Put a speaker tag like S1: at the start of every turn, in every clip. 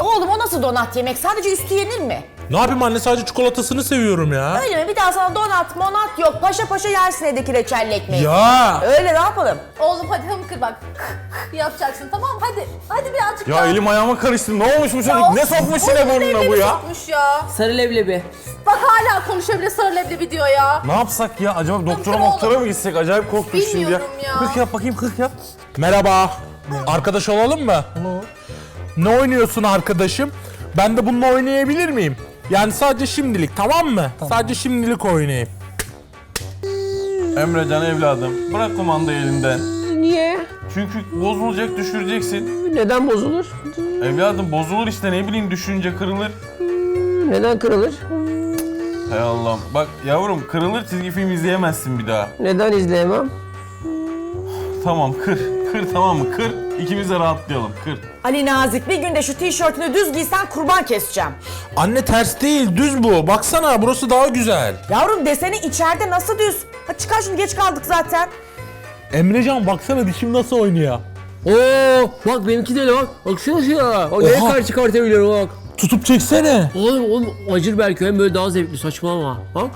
S1: Oğlum o nasıl donat yemek? Sadece üstü yenir mi?
S2: Ne yapayım anne, sadece çikolatasını seviyorum ya.
S1: Öyle mi? Bir daha sana donat monat yok. Paşa paşa yersin evdeki reçelli ekmeği.
S2: Ya.
S1: Öyle ne yapalım?
S3: Oğlum hadi hımkır bak. yapacaksın tamam hadi. Hadi birazcık
S4: Ya
S3: daha.
S4: elim ayağıma karıştı. Ne olmuş bu çocuk? Ne sokmuş yine burnuna bu ya?
S3: Sokmuş ya.
S5: Sarı leblebi.
S3: Bak hala konuşuyor bile sarı leblebi diyor ya.
S4: Ne yapsak ya? Acaba doktora
S3: oğlum.
S4: moktora mı gitsek? Acayip korktum şimdi ya.
S3: Bilmiyorum ya.
S4: 40 yap bakayım, 40 yap.
S2: Merhaba. Arkadaş olalım mı? Ne oynuyorsun arkadaşım? Ben de bununla oynayabilir miyim? Yani sadece şimdilik, tamam mı? Sadece şimdilik oynayayım.
S4: Emrecan evladım, bırak kumandayı elinden.
S5: Niye?
S4: Çünkü bozulacak, düşüreceksin.
S5: Neden bozulur?
S4: Evladım bozulur işte, ne bileyim, düşünce kırılır.
S5: Neden kırılır?
S4: Hay Allah'ım. Bak yavrum, kırılır, çizgi film izleyemezsin bir daha.
S5: Neden izleyemem?
S4: Tamam, kır. Kır, tamam mı? Kır. İkimiz de rahatlayalım. Kır.
S1: Ali Nazik, bir günde şu tişörtünü düz giysen kurban keseceğim.
S2: Anne ters değil, düz bu. Baksana, burası daha güzel.
S1: Yavrum deseni içeride nasıl düz? Hadi çıkar şunu, geç kaldık zaten.
S2: Emrecan baksana dişim nasıl oynuyor.
S5: Oo, bak benimki de öyle bak. Baksana şuna. Bak neye
S2: Oha.
S5: karşı çıkartabiliyorum bak.
S2: Tutup çeksene.
S5: Oğlum acır belki hem böyle daha zevkli saçmalama. Bak.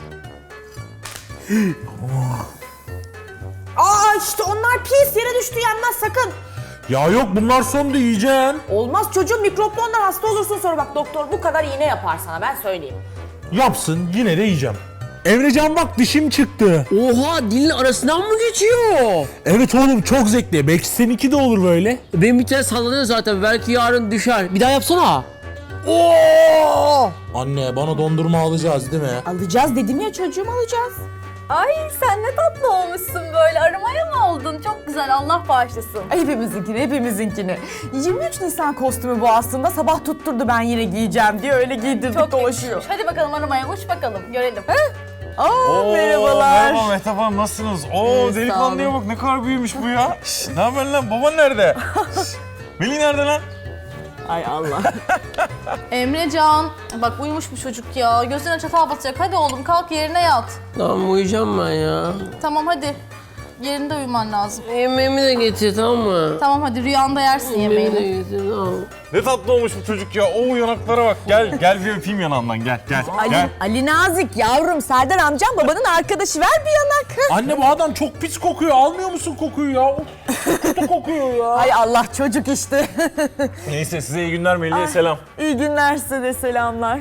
S1: Aa işte onlar pis, yere düştü, yenmez sakın.
S2: Ya yok, bunlar son da yiyeceksin.
S1: Olmaz çocuğum, mikroplu ondan hasta olursun sonra, bak doktor bu kadar iğne yapar sana, ben söyleyeyim.
S2: Yapsın, yine de yiyeceğim. Emrecan bak, dişim çıktı.
S5: Oha, dilin arasından mı geçiyor?
S2: Evet oğlum, çok zevkli. Belki seninki de olur böyle.
S5: Benim bir tane sallanıyor zaten. Belki yarın düşer. Bir daha yapsana.
S2: Oo! Anne, bana dondurma alacağız değil mi?
S1: Alacağız dedim ya çocuğum, alacağız.
S3: Ay sen ne tatlı olmuşsun böyle. Aramaya mı oldun? Çok güzel, Allah bağışlasın.
S1: Ay, hepimizinkini. 23 Nisan kostümü bu aslında, sabah tutturdu ben yine giyeceğim diye, öyle giydirdik
S3: Çok
S1: dolaşıyor.
S3: yakışmış. Hadi bakalım aramaya uç bakalım görelim.
S1: Aa merhabalar.
S4: Merhaba Mehtap Hanım, nasılsınız? Oo,
S1: sağ
S4: delikanlıya bak, ne kadar büyümüş bu ya. Şşş, ne haber lan? Baban nerede? Şşş, Melih nerede lan?
S1: Ay Allah.
S3: Emrecan, bak uyumuş bu çocuk ya. Gözüne çatal batacak. Hadi oğlum kalk yerine yat.
S5: Tamam uyuyacağım ben ya.
S3: Tamam hadi. Yerinde uyuman lazım.
S5: Yemeğimi de getir tamam mı?
S3: Tamam hadi rüyanda yersin
S5: Yemeğimi de
S3: yemeğini.
S5: getir tamam.
S4: Ne tatlı olmuş bu çocuk ya. Oo, yanaklara bak. Gel bir öpeyim yanağından. Gel.
S1: Ali Nazik yavrum, Serdar amcam babanın arkadaşı, ver bir yanak.
S2: Anne, bu adam çok pis kokuyor. Almıyor musun kokuyu ya? Of, kötü kokuyor ya.
S1: Ay Allah, çocuk işte.
S4: Neyse, size iyi günler, Melih'e selam.
S1: İyi günler, size de selamlar.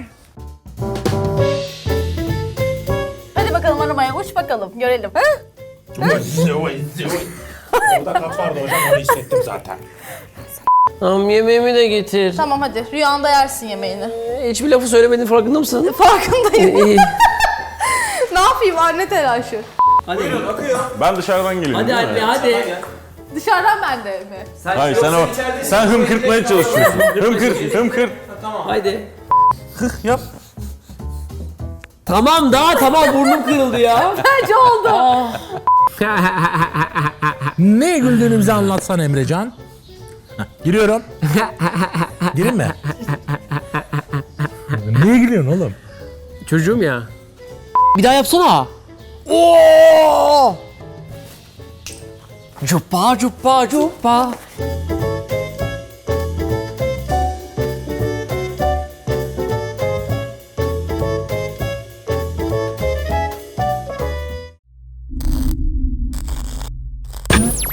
S3: Hadi bakalım aramaya uç bakalım görelim.
S2: Orada kat vardı hocam, onu hissettim zaten.
S5: Tamam yemeğimi de getir.
S3: Tamam hadi rüyanda yersin yemeğini.
S5: Hiçbir lafı söylemedin farkında mısın?
S3: Farkındayım.
S5: İyi.
S3: Ne yapayım anne telaşı.
S5: Hadi.
S4: Ben dışarıdan geliyorum.
S5: Hadi
S4: değil mi?
S5: anne hadi.
S3: Dışarıdan ben de mi?
S4: Hayır, sen hımkırtmaya çalışıyorsun. Hımkır.
S5: Hadi.
S4: Yap.
S5: Tamam tamam burnum kırıldı ya.
S3: Bence oldu.
S2: Ne güldüğünü anlatsan Emrecan. Heh, giriyorum. Gireyim mi? Niye gülüyorsun oğlum?
S5: Çocuğum ya. Bir daha yapsana.
S2: Oo!
S5: Cuppa cuppa cuppa.